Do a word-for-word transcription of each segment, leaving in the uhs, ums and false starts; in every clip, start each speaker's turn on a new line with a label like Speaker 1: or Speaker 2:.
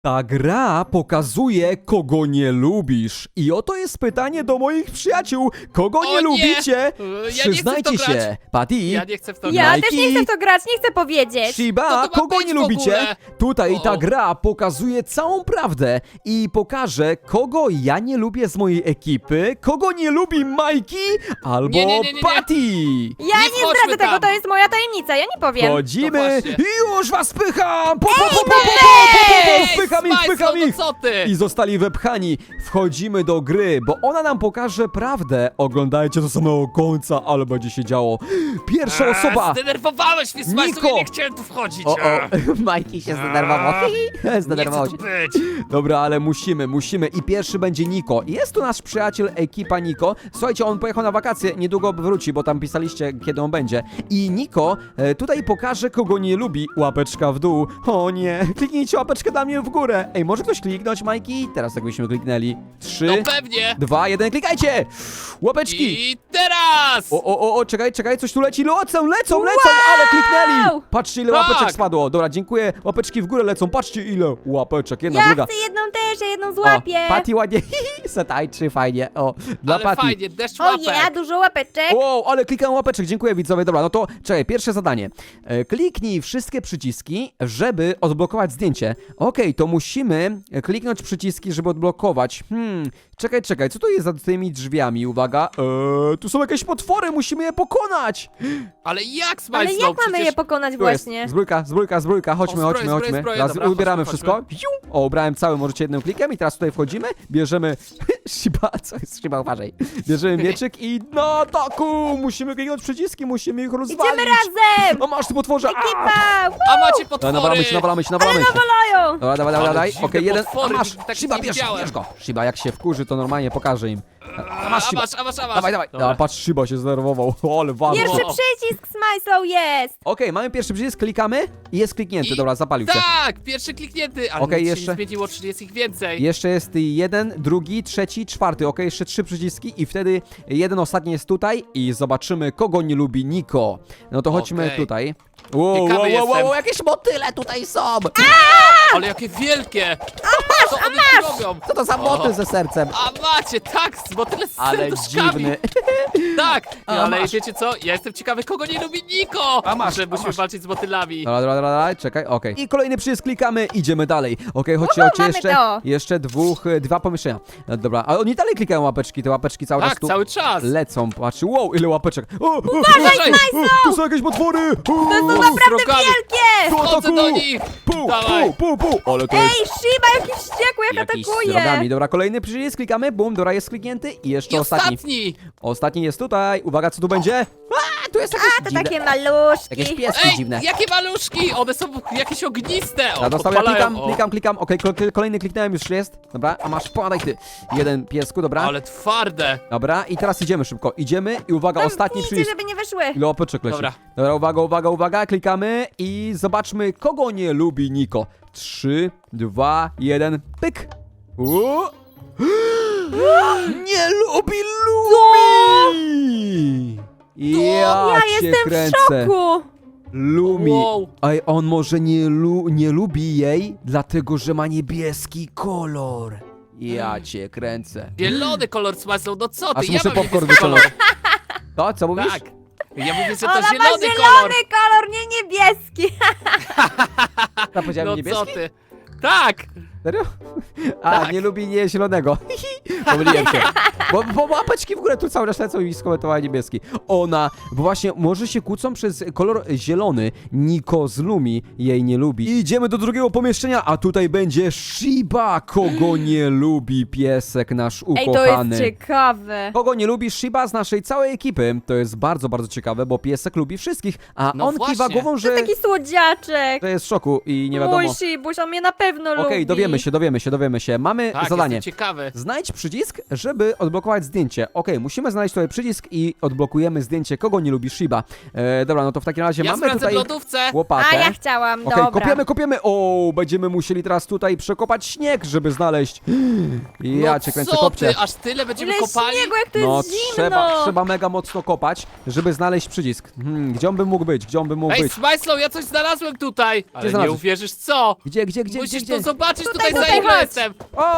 Speaker 1: Ta gra pokazuje, kogo nie lubisz. I oto jest pytanie do moich przyjaciół. Kogo
Speaker 2: O
Speaker 1: nie
Speaker 2: nie!
Speaker 1: lubicie?
Speaker 2: Ja nie chcę w
Speaker 1: Przyznajcie
Speaker 2: to
Speaker 1: się.
Speaker 2: grać.
Speaker 1: Patty,
Speaker 2: Ja nie chcę w to
Speaker 3: Ja
Speaker 2: grać.
Speaker 3: też nie chcę w to grać, nie chcę powiedzieć.
Speaker 1: Shiba,
Speaker 2: Co to ma
Speaker 1: kogo
Speaker 2: być
Speaker 1: nie
Speaker 2: w
Speaker 1: lubicie?
Speaker 2: ogóle?
Speaker 1: Tutaj ta
Speaker 2: O.
Speaker 1: gra pokazuje całą prawdę i pokaże, kogo ja nie lubię z mojej ekipy, kogo nie lubi Majki albo
Speaker 2: Nie, nie, nie, nie, nie.
Speaker 1: Patty.
Speaker 3: Ja
Speaker 2: Nie
Speaker 3: nie
Speaker 2: wchodźmy
Speaker 3: zdradzę tego,
Speaker 2: tam.
Speaker 3: to jest moja tajemnica, ja nie powiem.
Speaker 1: Chodzimy
Speaker 2: To właśnie.
Speaker 1: i już was pycham! Po, po, po, po, po, po,
Speaker 2: Ej,
Speaker 1: po, po, wpycham ich,
Speaker 2: Smajslow,
Speaker 1: wpycham
Speaker 2: no
Speaker 1: ich!
Speaker 2: co ty?
Speaker 1: I zostali wepchani. Wchodzimy do gry, bo ona nam pokaże prawdę. Oglądajcie do samego końca, ale będzie się działo. Pierwsza
Speaker 2: A,
Speaker 1: osoba.
Speaker 2: Zdenerwowałeś mnie, Smajslow,
Speaker 1: Niko.
Speaker 2: ja nie chciałem tu wchodzić.
Speaker 1: O, o,
Speaker 2: A,
Speaker 1: Majki się zdenerwował.
Speaker 2: Nie
Speaker 1: Zdenerwował
Speaker 2: chcę
Speaker 1: się.
Speaker 2: tu być.
Speaker 1: Dobra, ale musimy, musimy. I pierwszy będzie Niko. Jest tu nasz przyjaciel, ekipa Niko. Słuchajcie, on pojechał na wakacje, niedługo wróci, bo tam pisaliście, kiedy on będzie. I Niko e, tutaj pokaże, kogo nie lubi. Łapeczka w dół. O nie, kliknijcie łapeczkę dla mnie w górę. Ej, może ktoś kliknąć, Majki? Teraz jakbyśmy kliknęli. Trzy,
Speaker 2: No pewnie.
Speaker 1: dwa, jeden, klikajcie! Łapeczki!
Speaker 2: I teraz!
Speaker 1: O, o, o, o, czekaj, czekaj, coś tu leci, lecą, lecą, lecą, ale kliknęli! Patrzcie, ile
Speaker 2: Tak.
Speaker 1: łapeczek spadło. Dobra, dziękuję, łapeczki w górę lecą, patrzcie, ile łapeczek, jedna,
Speaker 3: Ja
Speaker 1: druga.
Speaker 3: chcę jedną też, ja jedną
Speaker 1: O,
Speaker 3: złapię.
Speaker 1: Patty ładnie, se tańczy, fajnie, o, dla
Speaker 2: Ale
Speaker 1: Patty.
Speaker 2: fajnie, deszcz
Speaker 3: O
Speaker 2: łapek.
Speaker 3: ja, dużo łapeczek.
Speaker 1: Wow, ale klikam łapeczek, dziękuję widzowie. Dobra, no to czekaj, pierwsze zadanie. E, kliknij wszystkie przyciski, żeby odblokować zdjęcie. Okej, to musimy kliknąć przyciski, żeby odblokować. Hmm, czekaj, czekaj, co to jest za tymi drzwiami? Uwaga, eee, tu są jakieś potwory, musimy je pokonać.
Speaker 2: Ale jak,
Speaker 3: Ale
Speaker 2: Smajslow?
Speaker 3: jak mamy
Speaker 2: Przecież...
Speaker 3: je pokonać
Speaker 1: Tu jest,
Speaker 3: właśnie?
Speaker 1: zbrójka, zbrójka, zbrójka, chodźmy,
Speaker 2: O, zbroj,
Speaker 1: chodźmy,
Speaker 2: zbroj,
Speaker 1: chodźmy.
Speaker 2: zbroj,
Speaker 1: Teraz
Speaker 2: dobra,
Speaker 1: ubieramy
Speaker 2: chodźmy,
Speaker 1: wszystko. Piu. O, ubrałem cały, możecie jednym klikiem i teraz tutaj wchodzimy, bierzemy Shiba, co jest Shiba, uważaj. Bierzemy mieczyk i na taku, musimy kliknąć przyciski, musimy ich rozwalić.
Speaker 3: Idziemy razem!
Speaker 1: O, masz ty potworze! A!
Speaker 3: Ekipa!
Speaker 2: A macie
Speaker 1: Dobra,
Speaker 2: potwory!
Speaker 1: nawalamy się, nawalamy się, nawalamy się.
Speaker 3: Nawalają!
Speaker 1: Dobra, dawaj, dawaj,
Speaker 2: Ale
Speaker 1: dawaj.
Speaker 2: dziwne
Speaker 1: Okej, jeden. A
Speaker 2: potwory,
Speaker 1: masz!
Speaker 2: tak
Speaker 1: Shiba,
Speaker 2: nie
Speaker 1: bierz,
Speaker 2: widziałem.
Speaker 1: bierz go. Shiba, jak się wkurzy, to normalnie pokaże im. A
Speaker 2: A
Speaker 1: masz Shiba.
Speaker 2: masz, a masz, a masz.
Speaker 1: Dawaj, dawaj. Dobra, patrz, Shiba się zdenerwował. O, ale ważne.
Speaker 3: Pierwszy
Speaker 2: O.
Speaker 3: przycisk Smajslow jest!
Speaker 1: Okej, mamy pierwszy przycisk, klikamy i jest kliknięty.
Speaker 2: I-
Speaker 1: Dobra, zapalił się.
Speaker 2: Tak, pierwszy kliknięty, ale
Speaker 1: Okej,
Speaker 2: nic się
Speaker 1: jeszcze.
Speaker 2: nie zmieniło, czyli jest ich więcej.
Speaker 1: Jeszcze jest jeden, drugi, trzeci, czwarty. Okej, jeszcze trzy przyciski i wtedy jeden ostatni jest tutaj i zobaczymy, kogo nie lubi Niko. No to chodźmy
Speaker 2: Okej.
Speaker 1: tutaj. Wow, wow,
Speaker 2: Ciekawy
Speaker 1: wow, wow,
Speaker 2: jestem.
Speaker 1: jakieś motyle tutaj są!
Speaker 2: Ale jakie wielkie! Co one tu robią?
Speaker 1: Co to za motyl
Speaker 2: O.
Speaker 1: ze sercem?
Speaker 2: A macie, tak, bo tyle z
Speaker 1: Ale
Speaker 2: serduszkami.
Speaker 1: dziwny.
Speaker 2: Tak,
Speaker 1: A,
Speaker 2: ale
Speaker 1: masz.
Speaker 2: wiecie co? Ja jestem ciekawy, kogo nie lubi Niko!
Speaker 1: A masz,
Speaker 2: Że
Speaker 1: a
Speaker 2: musimy
Speaker 1: masz.
Speaker 2: walczyć z motylami.
Speaker 1: Dobra, dobra, dobra, dobra, czekaj, okej. I kolejny przycisk klikamy, idziemy dalej. Okej, chodźcie,
Speaker 3: Uhu,
Speaker 1: chodźcie,
Speaker 3: mamy
Speaker 1: jeszcze,
Speaker 3: to.
Speaker 1: jeszcze dwóch, e, dwa pomieszczenia. No, dobra, a oni dalej klikają łapeczki, te łapeczki cały czas
Speaker 2: Tak,
Speaker 1: tu
Speaker 2: cały czas.
Speaker 1: lecą. Patrz, wow, ile łapeczek. O, o,
Speaker 2: Uważaj,
Speaker 1: o, tu są jakieś potwory! To
Speaker 3: To naprawdę
Speaker 2: Srogami.
Speaker 3: wielkie!
Speaker 2: Wchodzę do nich!
Speaker 1: Pół,
Speaker 2: Dawaj.
Speaker 1: pół, pół, pół. Ale to jest
Speaker 3: Ej, Shiba, jakiś wściekły, jak
Speaker 1: jakiś z
Speaker 3: atakuje!
Speaker 1: rogami. Dobra, kolejny przycisk, klikamy, bum, dobra, jest kliknięty i jeszcze
Speaker 2: I
Speaker 1: ostatni.
Speaker 2: ostatni!
Speaker 1: Ostatni jest tutaj. Uwaga, co tu będzie? A, tu jest jakieś
Speaker 3: A, to
Speaker 1: dziwne,
Speaker 3: takie maluszki.
Speaker 1: jakieś pieski
Speaker 2: Ej,
Speaker 1: dziwne.
Speaker 2: jakie maluszki! One są jakieś ogniste! O,
Speaker 1: Ja dostałem, ja
Speaker 2: podpalają,
Speaker 1: klikam,
Speaker 2: o.
Speaker 1: klikam, klikam. Okej, kol- kolejny kliknąłem, już jest. Dobra, a masz, podaj ty. Jeden piesku, dobra.
Speaker 2: Ale twarde!
Speaker 1: Dobra, i teraz idziemy szybko. Idziemy i uwaga, ostatni
Speaker 3: Zamknijcie,
Speaker 1: przycisk.
Speaker 3: żeby nie wyszły.
Speaker 1: Ile łapeczek leci.
Speaker 2: Dobra.
Speaker 1: Dobra, uwaga, uwaga, uwaga, klikamy i zobaczmy, kogo nie lubi Niko. Trzy, dwa, jeden, pyk. U. Nie lubi Lumi! Ja,
Speaker 3: Ja
Speaker 1: cię
Speaker 3: jestem w
Speaker 1: kręcę.
Speaker 3: szoku!
Speaker 1: Lumi.
Speaker 2: Wow.
Speaker 1: Ej, on może nie, lu nie lubi jej, dlatego że ma niebieski kolor. Ja cię kręcę.
Speaker 2: Zielony kolor Smajslow, no co ty?
Speaker 1: Aż
Speaker 2: ja
Speaker 1: muszę
Speaker 2: mam
Speaker 1: popcorn
Speaker 2: niebieski kolor.
Speaker 1: wyciągnąć. To, co mówisz?
Speaker 2: Tak. Ja mówię, że to
Speaker 3: Ona ma
Speaker 2: zielony
Speaker 3: zielony
Speaker 2: kolor.
Speaker 3: kolor, nie niebieski.
Speaker 1: Ja powiedziałem
Speaker 2: No
Speaker 1: niebieski?
Speaker 2: co ty? Tak!
Speaker 1: Serio? A,
Speaker 2: Tak.
Speaker 1: nie lubi nie zielonego. Pomyliłem się. Bo, bo łapeczki w górę tu cały czas lecą i skomentowała niebieski. Ona, bo właśnie może się kłócą przez kolor zielony. Niko z Lumi jej nie lubi. I idziemy do drugiego pomieszczenia, a tutaj będzie Shiba. Kogo nie lubi piesek nasz
Speaker 3: Ej, to
Speaker 1: ukochany.
Speaker 3: jest ciekawe.
Speaker 1: Kogo nie lubi Shiba z naszej całej ekipy. To jest bardzo, bardzo ciekawe, bo piesek lubi wszystkich. A
Speaker 2: No
Speaker 1: on kiwa
Speaker 2: właśnie.
Speaker 1: głową,
Speaker 3: To
Speaker 1: że,
Speaker 3: taki słodziaczek.
Speaker 1: że jest w szoku i nie wiadomo.
Speaker 3: Mój Shibuś, on mnie na pewno lubi.
Speaker 1: Okej, dowiemy się, dowiemy się, dowiemy się. Mamy
Speaker 2: Tak,
Speaker 1: zadanie.
Speaker 2: jestem ciekawy.
Speaker 1: Znajdź przycisk, żeby odblokować odblokować zdjęcie. Okej, musimy znaleźć tutaj przycisk i odblokujemy zdjęcie, kogo nie lubi Shiba. E, dobra, no to w takim razie
Speaker 2: Ja
Speaker 1: mamy
Speaker 2: sprawdzę
Speaker 1: tutaj
Speaker 2: w lodówce.
Speaker 1: łopatę.
Speaker 3: A ja chciałam,
Speaker 1: Okej,
Speaker 3: dobra.
Speaker 1: kopiemy, kopiemy. O, będziemy musieli teraz tutaj przekopać śnieg, żeby znaleźć. Ja
Speaker 2: no
Speaker 1: cię kręcę,
Speaker 2: co
Speaker 1: kopcie.
Speaker 2: ty, aż tyle będziemy
Speaker 3: Ile
Speaker 2: kopali?
Speaker 3: śniegu, jak to
Speaker 1: No
Speaker 3: jest zimno!
Speaker 1: trzeba, trzeba mega mocno kopać, żeby znaleźć przycisk. Hmm, gdzie on by mógł być? Gdzie on by mógł
Speaker 2: Ej,
Speaker 1: być?
Speaker 2: Smajslow, ja coś znalazłem tutaj! Ale nie
Speaker 1: znalazłeś?
Speaker 2: uwierzysz co?
Speaker 1: Gdzie, gdzie, gdzie,
Speaker 2: Musisz
Speaker 1: gdzie,
Speaker 2: to
Speaker 1: gdzie?
Speaker 2: zobaczyć
Speaker 3: Tutaj,
Speaker 2: tutaj, za
Speaker 3: tutaj,
Speaker 2: ile
Speaker 3: chodź.
Speaker 2: jestem!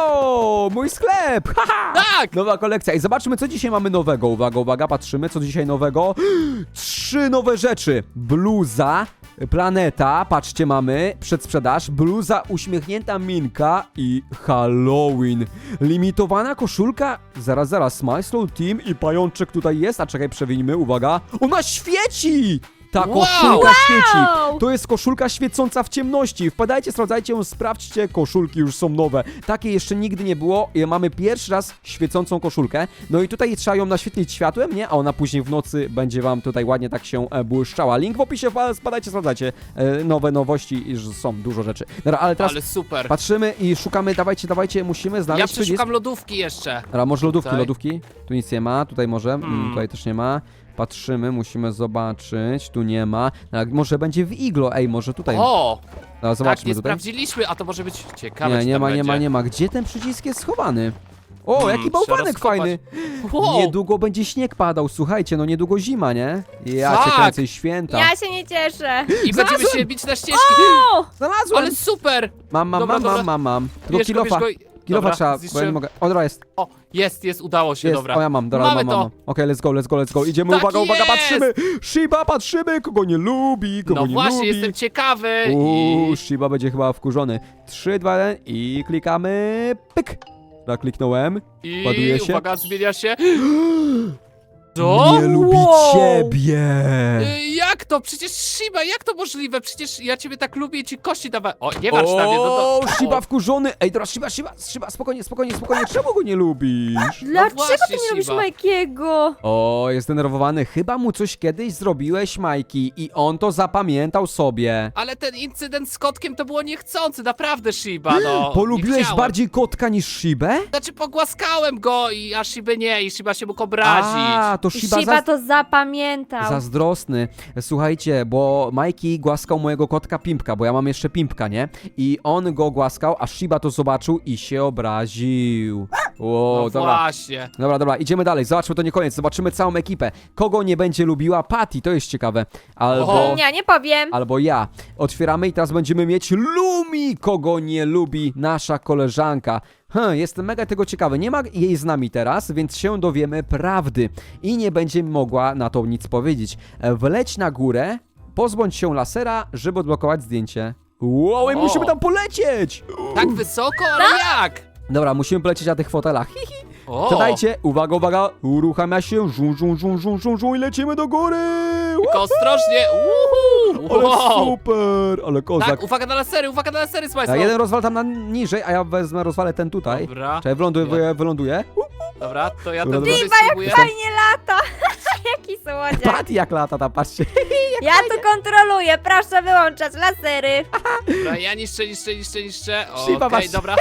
Speaker 1: O, mój sklep! Haha!
Speaker 2: Tak!
Speaker 1: Nowa kolekcja. I zobaczmy, co dzisiaj mamy nowego. Uwaga, uwaga, patrzymy, co dzisiaj nowego. Trzy nowe rzeczy. Bluza, planeta, patrzcie, mamy przedsprzedaż. Bluza, uśmiechnięta minka i Halloween. Limitowana koszulka. Zaraz, zaraz, Smyslow Team i pajączek tutaj jest. A czekaj, przewinimy, uwaga. Ona świeci! Ta
Speaker 2: Wow!
Speaker 1: koszulka świeci.
Speaker 3: Wow!
Speaker 1: To jest koszulka świecąca w ciemności. Wpadajcie, sprawdzajcie ją, sprawdźcie. Koszulki już są nowe. Takiej jeszcze nigdy nie było. I mamy pierwszy raz świecącą koszulkę. No i tutaj trzeba ją naświetlić światłem, nie? A ona później w nocy będzie wam tutaj ładnie tak się e, błyszczała. Link w opisie, wpa- spadajcie, sprawdzajcie. E, nowe nowości i że są dużo rzeczy. Dobra, ale teraz
Speaker 2: Ale super.
Speaker 1: patrzymy i szukamy. Dawajcie, dawajcie, musimy
Speaker 2: Ja
Speaker 1: znaleźć przycisk.
Speaker 2: przeszukam lodówki jeszcze.
Speaker 1: Dobra, może lodówki,
Speaker 2: Tutaj.
Speaker 1: lodówki. Tu nic nie ma, tutaj może, mm,
Speaker 2: Hmm.
Speaker 1: tutaj też nie ma. Patrzymy, musimy zobaczyć, tu nie ma. No, może będzie w iglo, ej, może tutaj.
Speaker 2: O!
Speaker 1: No,
Speaker 2: Tak,
Speaker 1: zobaczmy
Speaker 2: nie
Speaker 1: tutaj.
Speaker 2: sprawdziliśmy, a to może być ciekawe,
Speaker 1: Nie,
Speaker 2: czy
Speaker 1: nie
Speaker 2: tam
Speaker 1: ma, nie
Speaker 2: będzie.
Speaker 1: ma, nie ma. Gdzie ten przycisk jest schowany? O,
Speaker 2: Hmm,
Speaker 1: jaki
Speaker 2: trzeba
Speaker 1: bałwanek
Speaker 2: rozkopać.
Speaker 1: fajny!
Speaker 2: Wow.
Speaker 1: Niedługo będzie śnieg padał, słuchajcie, no niedługo zima, nie? Ja cię
Speaker 2: Tak.
Speaker 1: kręcę i święta.
Speaker 3: Ja się nie cieszę.
Speaker 2: I będziemy
Speaker 1: Znalazłem!
Speaker 2: się bić na ścieżki.
Speaker 3: O!
Speaker 1: Znalazłem!
Speaker 2: Ale super!
Speaker 1: Mam, mam,
Speaker 2: Dobra,
Speaker 1: mam, mam,
Speaker 2: dobra.
Speaker 1: mam, mam. Tylko
Speaker 2: Bierz go,
Speaker 1: kilofa,
Speaker 2: bierz go i-
Speaker 1: kilofa
Speaker 2: Dobra,
Speaker 1: trzeba, bo ja nie
Speaker 2: zniszczyłem.
Speaker 1: mogę. O, dobra, jest.
Speaker 2: O, jest, jest, udało się,
Speaker 1: Jest,
Speaker 2: dobra.
Speaker 1: o ja mam, dobra,
Speaker 2: Mamy
Speaker 1: mam, mam.
Speaker 2: to.
Speaker 1: Okej, let's go, let's go, let's go. Idziemy,
Speaker 2: Tak
Speaker 1: uwaga, uwaga,
Speaker 2: jest!
Speaker 1: patrzymy! Shiba, patrzymy, kogo nie lubi, kogo
Speaker 2: No
Speaker 1: nie
Speaker 2: właśnie,
Speaker 1: lubi.
Speaker 2: jestem ciekawy
Speaker 1: Uuu,
Speaker 2: i...
Speaker 1: Shiba będzie chyba wkurzony. trzy, dwa, jeden i klikamy. Pyk! Tak, kliknąłem.
Speaker 2: I
Speaker 1: Ładuje się.
Speaker 2: uwaga, zmienia się. Co?
Speaker 1: Nie lubi
Speaker 3: Wow.
Speaker 1: ciebie!
Speaker 2: Y, Jak to? Przecież Shiba, jak to możliwe? Przecież ja ciebie tak lubię i ci kości dawałem. O, nie masz na mnie, no to...
Speaker 1: O, Shiba wkurzony! Ej, teraz Shiba, Shiba, Shiba, spokojnie, spokojnie, spokojnie, czemu go nie lubisz?
Speaker 3: Dlaczego
Speaker 2: właśnie,
Speaker 3: ty nie lubisz
Speaker 2: Shiba.
Speaker 3: Majkiego?
Speaker 1: O, jest denerwowany. Chyba mu coś kiedyś zrobiłeś, Majki, i on to zapamiętał sobie.
Speaker 2: Ale ten incydent z kotkiem to było niechcący, naprawdę Shiba, no. nie
Speaker 1: Polubiłeś
Speaker 2: chciałem.
Speaker 1: bardziej kotka niż Shibę?
Speaker 2: Znaczy pogłaskałem go i a Shiby nie, i Shiba się mógł obrazić.
Speaker 1: A, to Shiba,
Speaker 3: Shiba
Speaker 1: za...
Speaker 3: to zapamiętał.
Speaker 1: zazdrosny. Słuchajcie, bo Majki głaskał mojego kotka Pimpka, bo ja mam jeszcze Pimpka, nie? I on go głaskał, a Shiba to zobaczył i się obraził. Ło,
Speaker 2: no
Speaker 1: dobra.
Speaker 2: właśnie.
Speaker 1: Dobra, dobra, idziemy dalej. Zobaczmy, to nie koniec. Zobaczymy całą ekipę. Kogo nie będzie lubiła Patty, to jest ciekawe. Albo...
Speaker 2: O.
Speaker 3: Ja nie powiem.
Speaker 1: Albo ja. Otwieramy i teraz będziemy mieć Lumi, kogo nie lubi nasza koleżanka. Hm, jestem mega tego ciekawy. Nie ma jej z nami teraz, więc się dowiemy prawdy. I nie będzie mogła na to nic powiedzieć. Wleć na górę, pozbądź się lasera, żeby odblokować zdjęcie. Wow, i
Speaker 2: O.
Speaker 1: musimy tam polecieć!
Speaker 2: Tak wysoko, ale jak?
Speaker 1: Dobra, musimy polecieć na tych fotelach. Hi, hi.
Speaker 2: O,
Speaker 1: Siadajcie, uwaga, uwaga, uruchamia się, żum, żum, żum, żum, żum, żum i lecimy do góry!
Speaker 2: tylko ostrożnie. Uhu.
Speaker 1: Ale
Speaker 2: Wow.
Speaker 1: super, ale kozak.
Speaker 2: Tak, uwaga na lasery, uwaga na lasery,
Speaker 1: A
Speaker 2: Smajslow.
Speaker 1: jeden rozwal tam na niżej, a ja wezmę, rozwalę ten tutaj.
Speaker 2: Dobra,
Speaker 1: Czekaj, wyląduję, wyląduję.
Speaker 2: dobra, to ja ten
Speaker 1: Dobra,
Speaker 2: drugi
Speaker 1: dobra.
Speaker 2: spróbuję.
Speaker 3: Fajnie lata. Jaki słodziak.
Speaker 1: Pat jak lata tam, patrzcie.
Speaker 3: Ja tu kontroluję. Proszę wyłączać lasery.
Speaker 2: Dobra, ja niszczę, niszczę, niszczę, niszczę.
Speaker 1: Shiba,
Speaker 2: Okej,
Speaker 1: masz-
Speaker 2: dobra.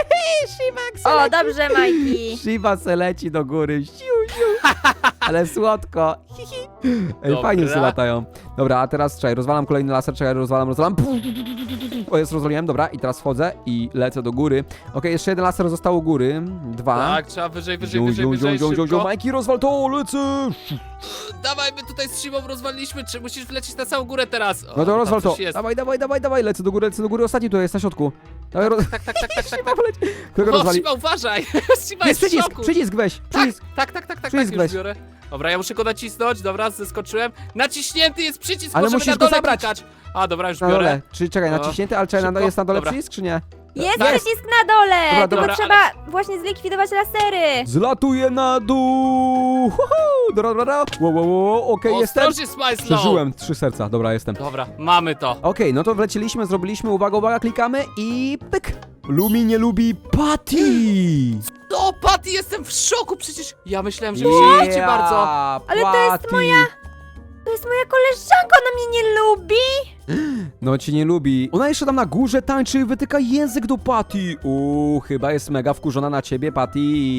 Speaker 3: O, dobrze, Majki.
Speaker 1: Shiba se leci do góry, siu, siu. Ale słodko. Hi, hi. Ej,
Speaker 2: Dobra.
Speaker 1: fajnie se latają. Dobra, a teraz czekaj, rozwalam kolejny laser, czekaj, rozwalam, rozwalam. O, jest, rozwaliłem, dobra, i teraz wchodzę i lecę do góry. Okej, jeszcze jeden laser został u góry. Dwa.
Speaker 2: Tak, trzeba wyżej, wyżej,
Speaker 1: Ziu,
Speaker 2: wyżej,
Speaker 1: ziu, ziu,
Speaker 2: wyżej,
Speaker 1: ziu, ziu, ziu,
Speaker 2: szybko.
Speaker 1: Majki, rozwal to, lecę!
Speaker 2: Dawaj, my tutaj z Shibą rozwaliliśmy, czy musisz wlecieć na całą górę teraz? O,
Speaker 1: No to
Speaker 2: tam
Speaker 1: rozwal to.
Speaker 2: coś jest.
Speaker 1: Dawaj, dawaj, dawaj, dawaj, lecę do góry, lecę do góry, ostatni tu jest na środku. Dawaj, roz...
Speaker 2: Tak, tak, tak, tak, tak,
Speaker 1: Shiba
Speaker 2: tak.
Speaker 1: poleci. Kogo
Speaker 2: O,
Speaker 1: rozwali?
Speaker 2: Shiba, uważaj! Shiba
Speaker 1: Jest
Speaker 2: jest w
Speaker 1: przycisk,
Speaker 2: szoku.
Speaker 1: przycisk weź,
Speaker 2: Tak,
Speaker 1: przycisk.
Speaker 2: tak, tak, tak, tak,
Speaker 1: Przycisk
Speaker 2: tak, już
Speaker 1: weź.
Speaker 2: biorę. Dobra, ja muszę go nacisnąć, dobra, zeskoczyłem. Naciśnięty jest przycisk,
Speaker 1: Ale
Speaker 2: możemy
Speaker 1: musisz
Speaker 2: na
Speaker 1: go
Speaker 2: dole
Speaker 1: zabrać.
Speaker 2: klikać. A, dobra, już
Speaker 1: Na
Speaker 2: biorę.
Speaker 1: dole. Czy czekaj,
Speaker 2: O,
Speaker 1: naciśnięty, ale czekaj, na,
Speaker 2: szybko.
Speaker 1: jest na dole
Speaker 2: Dobra.
Speaker 1: przycisk, czy nie?
Speaker 3: Jest
Speaker 2: Tak.
Speaker 3: przycisk na dole.
Speaker 1: Dobra,
Speaker 3: Tylko
Speaker 1: dobra,
Speaker 3: trzeba właśnie zlikwidować lasery.
Speaker 1: Zlatuję na dół! Huhu! Dobra, dobra, dobra. Wow, wow, wow, okej, jestem.
Speaker 2: Ostrożnie, Smajslow.
Speaker 1: Przeżyłem, trzy serca, dobra, jestem.
Speaker 2: Dobra, mamy to.
Speaker 1: Okej, no to wleciliśmy, zrobiliśmy, uwaga, uwaga, klikamy i pyk! Lumi nie lubi Patty!
Speaker 2: No, Patty, jestem w szoku, przecież ja myślałem, że mnie nie lubicie bardzo.
Speaker 3: Ale to jest
Speaker 1: Patty.
Speaker 3: moja- To jest moja koleżanka, ona mnie nie lubi.
Speaker 1: No cię nie lubi. Ona jeszcze tam na górze tańczy i wytyka język do Patty. Uuu, chyba jest mega wkurzona na ciebie, Patty.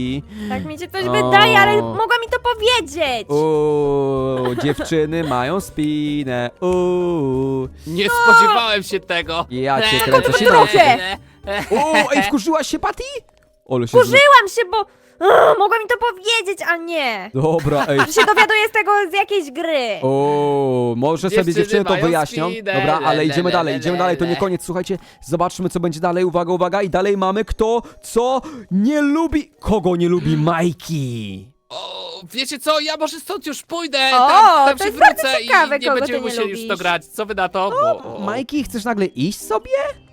Speaker 3: Tak mi się coś
Speaker 1: O.
Speaker 3: wydaje, ale mogła mi to powiedzieć.
Speaker 1: Uuu, dziewczyny mają spinę. Uuu.
Speaker 2: Nie spodziewałem się tego.
Speaker 1: Ja cię
Speaker 2: Eee,
Speaker 1: kręcę,
Speaker 2: eee,
Speaker 1: się nauczę.
Speaker 2: eee, eee.
Speaker 1: Uuu, ej, wkurzyłaś się, Patty? Ole się...
Speaker 3: Wkurzyłam się, bo Ugh, mogła mi to powiedzieć, a nie.
Speaker 1: Dobra, ej.
Speaker 3: Że się dowiaduję z tego z jakiejś gry.
Speaker 1: O, może sobie
Speaker 2: Dziewczyny
Speaker 1: dziewczyny to
Speaker 2: mają
Speaker 1: wyjaśnią.
Speaker 2: spinę,
Speaker 1: Dobra,
Speaker 2: le,
Speaker 1: ale
Speaker 2: le,
Speaker 1: idziemy
Speaker 2: le,
Speaker 1: dalej,
Speaker 2: le,
Speaker 1: idziemy
Speaker 2: le,
Speaker 1: dalej, to nie
Speaker 2: le.
Speaker 1: koniec, słuchajcie, zobaczmy co będzie dalej, uwaga, uwaga, i dalej mamy kto, co nie lubi, kogo nie lubi Majki.
Speaker 2: O, wiecie co, ja może stąd już pójdę,
Speaker 3: O,
Speaker 2: tam, tam
Speaker 3: to
Speaker 2: się
Speaker 3: jest bardzo
Speaker 2: wrócę
Speaker 3: ciekawe,
Speaker 2: i nie
Speaker 3: kogo
Speaker 2: będziemy
Speaker 3: ty nie
Speaker 2: musieli już w to
Speaker 3: lubisz.
Speaker 2: grać. Co wy na to? Bo, o,
Speaker 1: Majki, chcesz nagle iść sobie?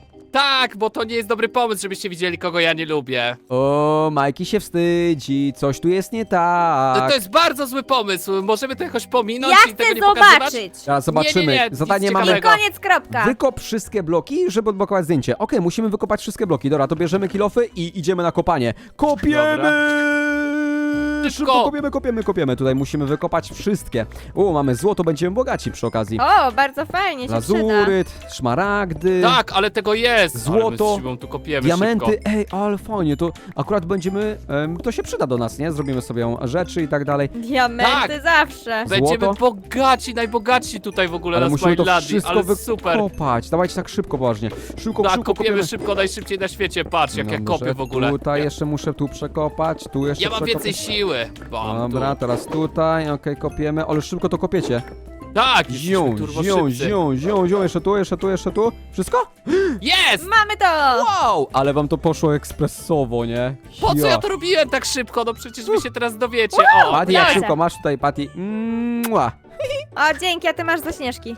Speaker 2: tak, bo to nie jest dobry pomysł, żebyście widzieli, kogo ja nie lubię.
Speaker 1: O, Majki się wstydzi, coś tu jest nie tak.
Speaker 2: To jest bardzo zły pomysł, możemy to jakoś pominąć
Speaker 3: Ja
Speaker 2: i tego
Speaker 3: chcę
Speaker 2: nie pokazywać?
Speaker 3: zobaczyć.
Speaker 1: Teraz zobaczymy,
Speaker 2: Nie, nie, nie, nic
Speaker 1: zadanie mamy...
Speaker 3: I
Speaker 2: ciekawego.
Speaker 3: koniec, kropka.
Speaker 1: Wykop wszystkie bloki, żeby odblokować zdjęcie. Okej, musimy wykopać wszystkie bloki. Dobra, to bierzemy kilofy i idziemy na kopanie. Kopiemy!
Speaker 2: Szybko!
Speaker 1: Szybko kopiemy, kopiemy, kopiemy. Tutaj musimy wykopać wszystkie. O, mamy złoto, będziemy bogaci przy okazji.
Speaker 3: O, bardzo fajnie się przyda.
Speaker 1: Lazuryt, szmaragdy,
Speaker 2: Tak, ale tego jest.
Speaker 1: Złoto,
Speaker 2: ale my z Szymą tu kopiemy
Speaker 1: diamenty.
Speaker 2: szybko.
Speaker 1: Ej, ale fajnie, to akurat będziemy... Em, to się przyda do nas, nie? Zrobimy sobie rzeczy i tak dalej.
Speaker 3: Diamenty
Speaker 2: Tak.
Speaker 3: zawsze.
Speaker 2: Będziemy
Speaker 1: Złoto.
Speaker 2: bogaci, najbogaci tutaj w ogóle
Speaker 1: Ale
Speaker 2: na
Speaker 1: musimy to
Speaker 2: Smilandii,
Speaker 1: wszystko
Speaker 2: ale super.
Speaker 1: wykopać. Dawajcie tak szybko, poważnie. Szybko,
Speaker 2: Tak,
Speaker 1: szybko
Speaker 2: kopiemy szybko, najszybciej na świecie, patrz jak ja
Speaker 1: Dobrze,
Speaker 2: kopię w ogóle.
Speaker 1: Tutaj jeszcze muszę tu przekopać, tu jeszcze
Speaker 2: Ja mam
Speaker 1: przekopać.
Speaker 2: więcej siły. Bam,
Speaker 1: Dobra,
Speaker 2: tu.
Speaker 1: teraz tutaj, okej, kopiemy, ale szybko to kopiecie.
Speaker 2: Tak,
Speaker 1: Zią,
Speaker 2: jesteśmy turbo
Speaker 1: zią,
Speaker 2: szybcy.
Speaker 1: zią, zią, zią, jeszcze tu, jeszcze tu, jeszcze tu. Wszystko?
Speaker 2: Jest!
Speaker 3: Mamy to.
Speaker 1: Wow! Ale wam to poszło ekspresowo, nie?
Speaker 2: Po co
Speaker 1: Ja.
Speaker 2: ja to robiłem tak szybko? No przecież wy się teraz dowiecie. O,
Speaker 1: Patty, jak
Speaker 3: Lecę.
Speaker 1: szybko masz tutaj, Patty. Mua.
Speaker 3: O, dzięki, a ty masz ze śnieżki.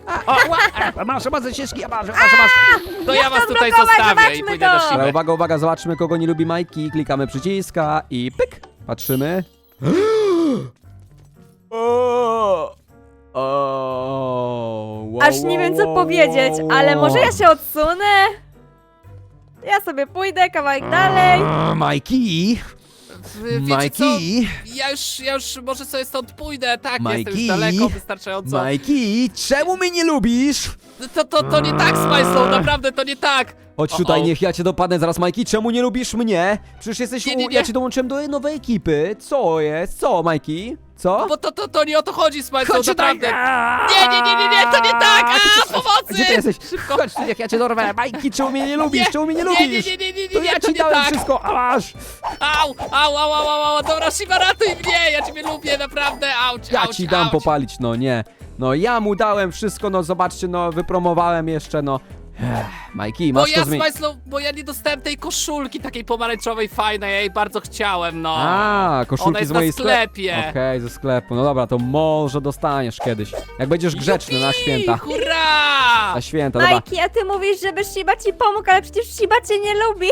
Speaker 1: A, masz, masz ścieżki, ja masz, masz, masz.
Speaker 2: to ja was
Speaker 3: to
Speaker 2: tutaj
Speaker 3: zblokować,
Speaker 2: zostawię i
Speaker 3: zobaczmy
Speaker 2: pójdę
Speaker 3: to.
Speaker 2: do
Speaker 1: Dobra,
Speaker 2: siły.
Speaker 1: uwaga, uwaga, zobaczmy kogo nie lubi Majki. Klikamy przyciska i pyk. Patrzymy. O, o, wow,
Speaker 3: Aż nie wiem co
Speaker 1: wow,
Speaker 3: powiedzieć,
Speaker 1: wow,
Speaker 3: ale
Speaker 1: wow.
Speaker 3: może ja się odsunę? Ja sobie pójdę kawałek dalej.
Speaker 1: A, Majki,
Speaker 2: Wy Wiecie co?
Speaker 1: Majki,
Speaker 2: Ja już, ja już może sobie stąd pójdę, tak, jestem
Speaker 1: Majki.
Speaker 2: już daleko, wystarczająco.
Speaker 1: Majki, czemu mnie nie lubisz?
Speaker 2: To, to, to nie tak, Smajslow, naprawdę to nie tak.
Speaker 1: Chodź
Speaker 2: O,
Speaker 1: tutaj,
Speaker 2: o.
Speaker 1: niech ja cię dopadnę zaraz, Majki. Czemu nie lubisz mnie? Przecież jesteś
Speaker 2: Nie, nie,
Speaker 1: u...
Speaker 2: nie.
Speaker 1: Ja cię dołączyłem do nowej ekipy. Co jest? Co, Majki? Co?
Speaker 2: Bo to, to, to nie o to chodzi, Smajslow,
Speaker 1: Chodź tutaj!
Speaker 2: naprawdę. Nie, nie, nie, nie, nie, to nie tak!
Speaker 1: A, ty
Speaker 2: A,
Speaker 1: co-
Speaker 2: pomocy!
Speaker 1: Gdzie ty jesteś?
Speaker 2: Szybko.
Speaker 1: Chodź tu, niech ja cię dorwę. Majki, czemu mnie nie lubisz?
Speaker 2: Nie,
Speaker 1: Czemu mnie nie
Speaker 2: Nie,
Speaker 1: lubisz?
Speaker 2: nie, nie, nie, nie,
Speaker 1: To
Speaker 2: nie,
Speaker 1: ja
Speaker 2: to
Speaker 1: ci
Speaker 2: nie
Speaker 1: dałem
Speaker 2: tak.
Speaker 1: wszystko, a masz!
Speaker 2: Au, au, au, au, au, au, dobra, Shiba, ratuj mnie, ja ciebie lubię, naprawdę, auć,
Speaker 1: Ja
Speaker 2: auć,
Speaker 1: ci dam
Speaker 2: auć.
Speaker 1: popalić, no nie. No ja mu dałem wszystko, no zobaczcie, no wypromowałem jeszcze, no. Ech, Majki,
Speaker 2: Bo
Speaker 1: masz
Speaker 2: ja,
Speaker 1: to zmienić.
Speaker 2: Smajslow, bo ja nie dostałem tej koszulki takiej pomarańczowej, fajnej, ja jej bardzo chciałem, no.
Speaker 1: A,
Speaker 2: Ona
Speaker 1: koszulki
Speaker 2: jest
Speaker 1: z mojej
Speaker 2: na sklepie.
Speaker 1: Okej, ze sklepu. No dobra, to może dostaniesz kiedyś. Jak będziesz grzeczny na
Speaker 2: Jupi,
Speaker 1: święta.
Speaker 2: Hurra!
Speaker 1: Na święta, dobra.
Speaker 3: Majki, a ty mówisz, żeby Shiba ci pomógł, ale przecież Shiba cię nie lubi.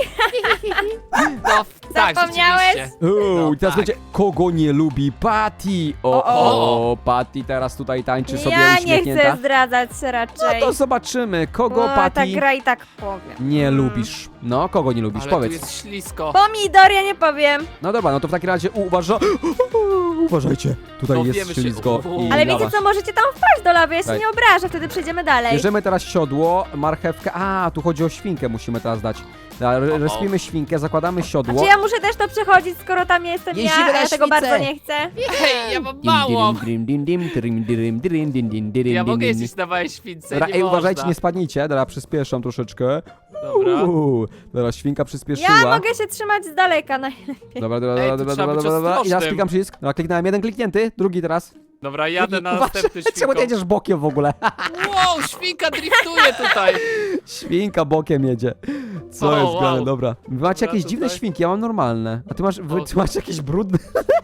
Speaker 2: No, tak,
Speaker 3: Zapomniałeś?
Speaker 2: rzeczywiście.
Speaker 1: Uuu,
Speaker 2: No,
Speaker 1: i teraz
Speaker 2: tak.
Speaker 1: będzie kogo nie lubi Patty. O, o,
Speaker 2: O.
Speaker 1: Patty teraz tutaj tańczy sobie
Speaker 3: Ja nie
Speaker 1: uśmiechnięta.
Speaker 3: chcę zdradzać
Speaker 1: No
Speaker 3: raczej.
Speaker 1: to zobaczymy, kogo
Speaker 3: O, ta
Speaker 1: Patty
Speaker 3: gra i tak powiem.
Speaker 1: nie lubisz. No, kogo nie lubisz,
Speaker 2: Ale
Speaker 1: powiedz.
Speaker 2: tu jest ślisko.
Speaker 3: Pomidor, ja nie powiem.
Speaker 1: No dobra, no to w takim razie uważa... Uważajcie, tutaj
Speaker 2: No,
Speaker 1: jest
Speaker 2: wiemy się.
Speaker 1: ślizgo
Speaker 2: U.
Speaker 1: i
Speaker 3: Ale
Speaker 1: lawa.
Speaker 3: wiecie co, możecie tam wpaść do lawy, ja się
Speaker 1: Daj.
Speaker 3: nie obrażę, wtedy przejdziemy dalej.
Speaker 1: Bierzemy teraz siodło, marchewkę. A, tu chodzi o świnkę, musimy teraz dać. Da, re-
Speaker 2: O, o.
Speaker 1: Respimy świnkę, zakładamy
Speaker 3: A
Speaker 1: siodło.
Speaker 3: czy ja muszę też to przechodzić, skoro tam jestem ja,
Speaker 1: Jeździmy
Speaker 3: a
Speaker 1: na
Speaker 3: ja tego
Speaker 1: świecę.
Speaker 3: bardzo nie chcę?
Speaker 2: Hej, ja mam
Speaker 1: Dim,
Speaker 2: mało.
Speaker 1: dirim, dim, dim, dirim, dirim, dirim, dim, dim, dirim,
Speaker 2: Ja
Speaker 1: dim,
Speaker 2: mogę
Speaker 1: dim,
Speaker 2: jeździć na małej śwince,
Speaker 1: Dobra,
Speaker 2: nie
Speaker 1: ej, uważajcie,
Speaker 2: można.
Speaker 1: nie spadnijcie. Dobra, przyspieszam troszeczkę.
Speaker 2: Dobra.
Speaker 1: Uuu, dobra, świnka przyspieszyła.
Speaker 3: Ja mogę się trzymać z daleka najlepiej.
Speaker 1: Dobra, dobra,
Speaker 2: Ej,
Speaker 1: dobra,
Speaker 2: tu
Speaker 1: dobra,
Speaker 2: trzeba
Speaker 1: dobra,
Speaker 2: być
Speaker 1: dobra, dobra. I teraz
Speaker 2: ostrożnym.
Speaker 1: klikam przycisk. Dobra, kliknąłem jeden kliknięty, drugi teraz.
Speaker 2: Dobra, jadę
Speaker 1: Drugi.
Speaker 2: na
Speaker 1: Uważaj,
Speaker 2: następny
Speaker 1: czemu
Speaker 2: świnką.
Speaker 1: ty jedziesz bokiem w ogóle?
Speaker 2: Wow, świnka driftuje tutaj.
Speaker 1: Świnka bokiem jedzie. Co
Speaker 2: O,
Speaker 1: jest grane,
Speaker 2: wow.
Speaker 1: dobra. Wy macie
Speaker 2: Dobra,
Speaker 1: jakieś dziwne
Speaker 2: tutaj.
Speaker 1: świnki, ja mam normalne. A ty masz, wy,
Speaker 2: O.
Speaker 1: ty masz jakieś brudne...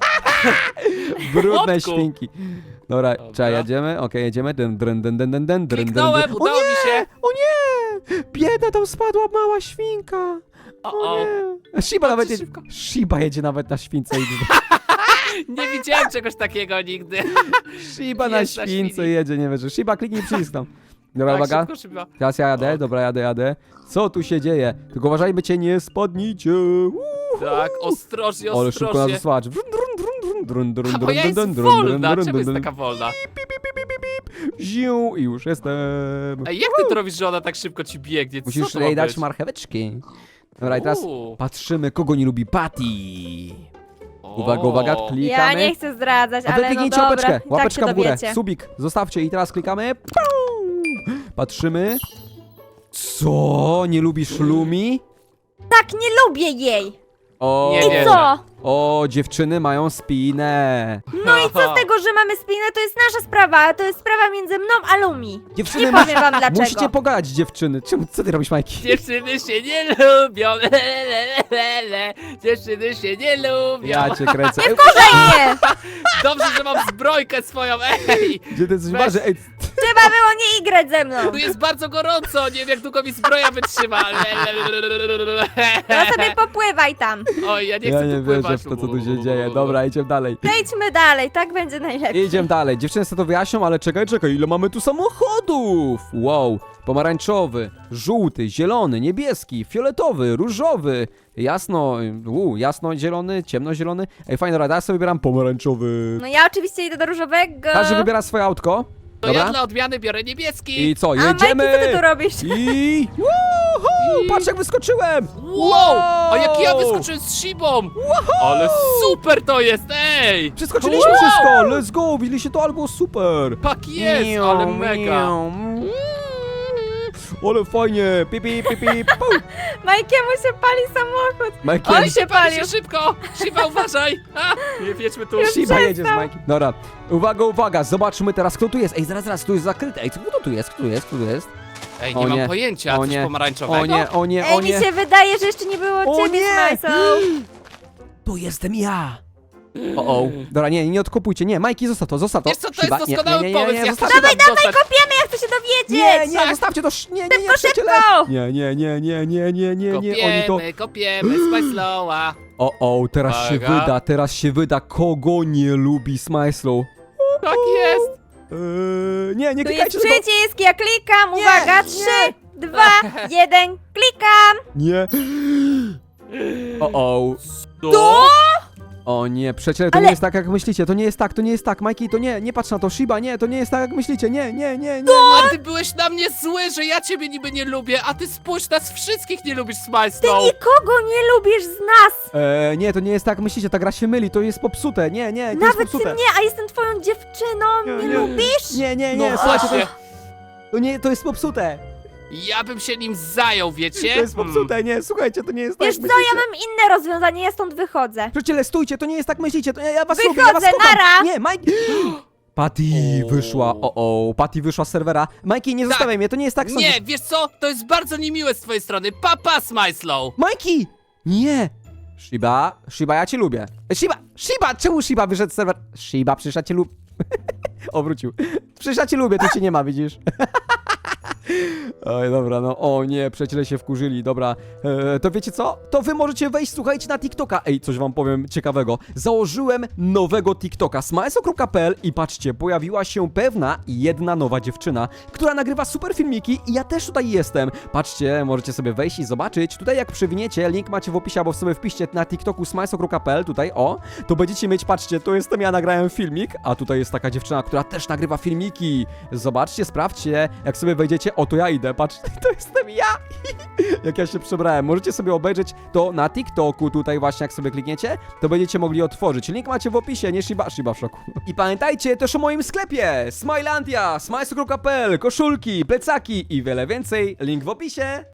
Speaker 1: brudne
Speaker 2: Chłopku.
Speaker 1: świnki. Dobra,
Speaker 2: Dobra.
Speaker 1: czekaj, jedziemy, okej, jedziemy. Dyn, dyn, dyn, dyn, dyn, dyn, dyn,
Speaker 2: Kliknąłem,
Speaker 1: dyn.
Speaker 2: udało
Speaker 1: o nie!
Speaker 2: mi się.
Speaker 1: O nie! Bieda, tam spadła mała świnka.
Speaker 2: O,
Speaker 1: O
Speaker 2: o.
Speaker 1: nie! Shiba nawet jedzie,
Speaker 2: szybko.
Speaker 1: Shiba jedzie nawet na śwince. i-
Speaker 2: Nie widziałem czegoś takiego nigdy.
Speaker 1: Shiba na
Speaker 2: Jest na
Speaker 1: śwince
Speaker 2: świni.
Speaker 1: jedzie, nie wiesz. Shiba, kliknij przycisk tam. Dobra,
Speaker 2: Tak,
Speaker 1: uwaga.
Speaker 2: szybko, szybko.
Speaker 1: Teraz ja jadę,
Speaker 2: O.
Speaker 1: dobra, jadę, jadę. Co tu się dzieje? Tylko uważajmy cię, nie spadnijcie. Uuu.
Speaker 2: Tak, ostrożnie,
Speaker 1: Ale szybko nas
Speaker 2: ostrożnie.
Speaker 1: zasłacz. Drun, drun, drun, drun, drun,
Speaker 2: A,
Speaker 1: drun,
Speaker 2: bo ja
Speaker 1: drun,
Speaker 2: jest
Speaker 1: drun, drun,
Speaker 2: wolna,
Speaker 1: drun,
Speaker 2: czemu jest
Speaker 1: drun.
Speaker 2: taka wolna?
Speaker 1: Ziu, i już jestem.
Speaker 2: Ej, jak ty to robisz, że ona tak szybko ci biegnie? Co
Speaker 1: Musisz
Speaker 2: to ma
Speaker 1: jej dać
Speaker 2: być?
Speaker 1: marcheweczki. Dobra, i teraz
Speaker 2: Uuu.
Speaker 1: patrzymy, kogo nie lubi Patty.
Speaker 2: O.
Speaker 1: Uwaga, uwaga,
Speaker 3: Ja
Speaker 1: klikamy.
Speaker 3: nie chcę zdradzać,
Speaker 1: A wy
Speaker 3: ale no
Speaker 1: kliknijcie
Speaker 3: dobra,
Speaker 1: łapeczkę,
Speaker 3: i tak
Speaker 1: łapeczka
Speaker 3: się
Speaker 1: w górę,
Speaker 3: dowiecie.
Speaker 1: subik, zostawcie i teraz klikamy. Pum. Patrzymy. Co? Nie lubisz Lumi?
Speaker 3: Tak, nie lubię jej!
Speaker 1: O,
Speaker 2: Nie
Speaker 3: I
Speaker 2: wierzę.
Speaker 3: co?
Speaker 1: o, dziewczyny mają spinę.
Speaker 3: No i co z tego, że mamy spinę, to jest nasza sprawa, to jest sprawa między mną a Lumi.
Speaker 1: Dziewczyny,
Speaker 3: Nie powiem wam dlaczego.
Speaker 1: musicie pogadać, dziewczyny. Czemu, co ty robisz, Majki?
Speaker 2: Dziewczyny się nie lubią, le, le, le, le. Dziewczyny się nie lubią.
Speaker 1: Ja cię kręcę. Ej,
Speaker 3: Fajnie!
Speaker 2: Dobrze, że mam zbrojkę swoją, ej!
Speaker 1: gdzie ty jesteś
Speaker 2: Weź.
Speaker 1: waży? Ej,
Speaker 3: Trzeba było nie igrać ze mną.
Speaker 2: Tu jest bardzo gorąco, nie wiem jak długo mi zbroja wytrzyma. Le, le, le, le, le, le.
Speaker 3: No sobie popływaj tam.
Speaker 2: Oj, ja nie
Speaker 1: ja
Speaker 2: chcę
Speaker 1: nie
Speaker 2: tu
Speaker 1: wierzę
Speaker 2: pływać.
Speaker 1: w to, co tu się dzieje. Dobra, idziemy dalej.
Speaker 3: Zejdźmy dalej, tak będzie najlepiej.
Speaker 1: Idziemy dalej. Dziewczyny sobie to wyjaśnią, ale czekaj, czekaj, ile mamy tu samochodów? Wow, pomarańczowy, żółty, zielony, niebieski, fioletowy, różowy, jasno, uu, jasno-zielony, ciemnozielony. Ej, fajna rada, ja sobie wybieram pomarańczowy.
Speaker 3: No ja oczywiście idę do różowego.
Speaker 1: Każdy wybiera swoje autko.
Speaker 2: To ja
Speaker 1: Dobra?
Speaker 2: dla odmiany biorę niebieski.
Speaker 1: I co,
Speaker 3: A Majki,
Speaker 1: jedziemy?
Speaker 3: co ty tu robisz?
Speaker 1: I... Woohoo!
Speaker 2: I-
Speaker 1: Patrz jak wyskoczyłem!
Speaker 2: Wow! A jak ja wyskoczyłem z szybą! Ale super to jest, ej!
Speaker 1: Przeskoczyliśmy
Speaker 2: Wow!
Speaker 1: wszystko! Let's go! Widzieliście to? Ale było super!
Speaker 2: Tak jest, ale mega!
Speaker 1: Ale fajnie! Pipi, pipi, pum!
Speaker 3: Majkiemu się pali samochód.
Speaker 1: Michael,
Speaker 3: Oj, się
Speaker 2: Pali
Speaker 3: palił.
Speaker 2: się szybko! Shiba, uważaj! A, nie wiedźmy tu.
Speaker 3: Już
Speaker 1: Shiba jedzie z
Speaker 3: przestał.
Speaker 1: Mikey. Dobra, uwaga, uwaga, zobaczmy teraz kto tu jest. Ej, zaraz, zaraz, tu jest zakryte. Ej, kto to tu jest? Kto tu jest? Kto tu jest?
Speaker 2: Ej,
Speaker 1: O
Speaker 2: nie mam
Speaker 1: nie,
Speaker 2: pojęcia,
Speaker 1: o
Speaker 2: coś
Speaker 1: nie,
Speaker 2: pomarańczowego.
Speaker 1: O nie, o nie,
Speaker 3: Ej,
Speaker 1: o
Speaker 3: mi
Speaker 1: nie.
Speaker 3: się wydaje, że jeszcze nie było
Speaker 1: O
Speaker 3: ciebie,
Speaker 1: nie!
Speaker 3: Smajso.
Speaker 1: To jestem ja! O, o. Dobra, nie, nie odkopujcie, nie, Majki, zostaw to, zostaw to.
Speaker 2: Wiesz co, to
Speaker 1: Shiba,
Speaker 2: jest
Speaker 1: nie,
Speaker 2: doskonały
Speaker 1: nie, nie, nie,
Speaker 2: pomysł,
Speaker 1: nie,
Speaker 2: ja
Speaker 1: zostaw-
Speaker 2: chcę się tam dostać.
Speaker 3: Kopiemy, ja chcę się dowiedzieć.
Speaker 1: Nie, nie,
Speaker 2: Tak.
Speaker 1: zostawcie to, sz- nie, nie, nie,
Speaker 3: Szybko,
Speaker 1: przyjaciele.
Speaker 3: szybko.
Speaker 1: Nie, nie, nie, nie, nie, nie, nie, nie, oni to...
Speaker 2: Kopiemy, kopiemy, Smajslowa.
Speaker 1: O, o, teraz się
Speaker 2: Uwaga.
Speaker 1: wyda, teraz się wyda, kogo nie lubi Smajslow.
Speaker 2: Tak jest.
Speaker 1: Eee, nie, nie
Speaker 3: Tu jest
Speaker 1: klikajcie tego.
Speaker 3: przycisk, ja klikam,
Speaker 1: Nie,
Speaker 3: uwaga,
Speaker 1: nie.
Speaker 3: trzy, dwa, jeden, klikam.
Speaker 1: Nie. O, o.
Speaker 2: To?
Speaker 1: O nie, przecież to
Speaker 3: Ale-
Speaker 1: nie jest tak jak myślicie, to nie jest tak, to nie jest tak, Majki, to nie, nie patrz na to, Shiba, nie, to nie jest tak jak myślicie, nie, nie, nie, nie.
Speaker 2: A ty byłeś na mnie zły, że ja ciebie niby nie lubię, a ty spójrz, nas wszystkich nie lubisz,
Speaker 3: Ty
Speaker 2: Smajslow.
Speaker 3: nikogo nie lubisz z nas.
Speaker 1: Eee, nie, to nie jest tak jak myślicie, ta gra się myli, to jest popsute, nie, nie, to jest
Speaker 3: Nawet ty
Speaker 1: popsute.
Speaker 3: mnie, a jestem twoją dziewczyną,
Speaker 1: Nie,
Speaker 3: nie,
Speaker 1: nie.
Speaker 3: lubisz?
Speaker 1: Nie, nie, nie,
Speaker 2: No
Speaker 1: słuchajcie, to,
Speaker 2: właśnie,
Speaker 1: jest- to nie, to jest popsute,
Speaker 2: ja bym się nim zajął, wiecie?
Speaker 1: to jest
Speaker 2: Hmm.
Speaker 1: popsute, nie, słuchajcie, to nie jest tak
Speaker 3: Wiesz
Speaker 1: jak
Speaker 3: co,
Speaker 1: myślicie.
Speaker 3: ja mam inne rozwiązanie, ja stąd wychodzę.
Speaker 1: Przyjaciele, stójcie, to nie jest tak myślicie, to ja, ja was
Speaker 3: Wychodzę,
Speaker 1: lubię, ja was kocham.
Speaker 3: nara.
Speaker 1: Nie, Mike... Patty
Speaker 2: O.
Speaker 1: wyszła, o o, Patty wyszła z serwera. Mikey, nie
Speaker 2: Tak.
Speaker 1: zostawiaj mnie, to nie jest tak
Speaker 2: Nie, wiesz co? To jest bardzo niemiłe z twojej strony. Papa, Smajslow.
Speaker 1: Mikey! Nie! Shiba, Shiba, ja cię lubię. Shiba, Shiba, czemu Shiba wyszedł z serwera? Shiba, przecież ja cię lubię. Obrócił. Przecież ja cię lubię, tu cię nie ma, widzisz? Oj, dobra, no, o nie, przyjaciele się wkurzyli, dobra, e, to wiecie co? To wy możecie wejść, słuchajcie, na TikToka. Ej, coś wam powiem ciekawego. Założyłem nowego TikToka, smajso kropka p l i patrzcie, pojawiła się pewna jedna nowa dziewczyna, która nagrywa super filmiki i ja też tutaj jestem. Patrzcie, możecie sobie wejść i zobaczyć. Tutaj jak przewiniecie, link macie w opisie, albo sobie wpiszcie na TikToku smajso kropka p l, tutaj, o, to będziecie mieć, patrzcie, to jestem ja, nagrałem filmik, a tutaj jest taka dziewczyna, która też nagrywa filmiki. Zobaczcie, sprawdźcie, jak sobie wejdziecie, o, to ja idę, patrz, to jestem ja, jak ja się przebrałem. Możecie sobie obejrzeć to na TikToku, tutaj właśnie, jak sobie klikniecie, to będziecie mogli otworzyć. Link macie w opisie, nie Shiba, Shiba w szoku. I pamiętajcie też o moim sklepie, Smilandia, smajso kropka p l, koszulki, plecaki i wiele więcej, link w opisie.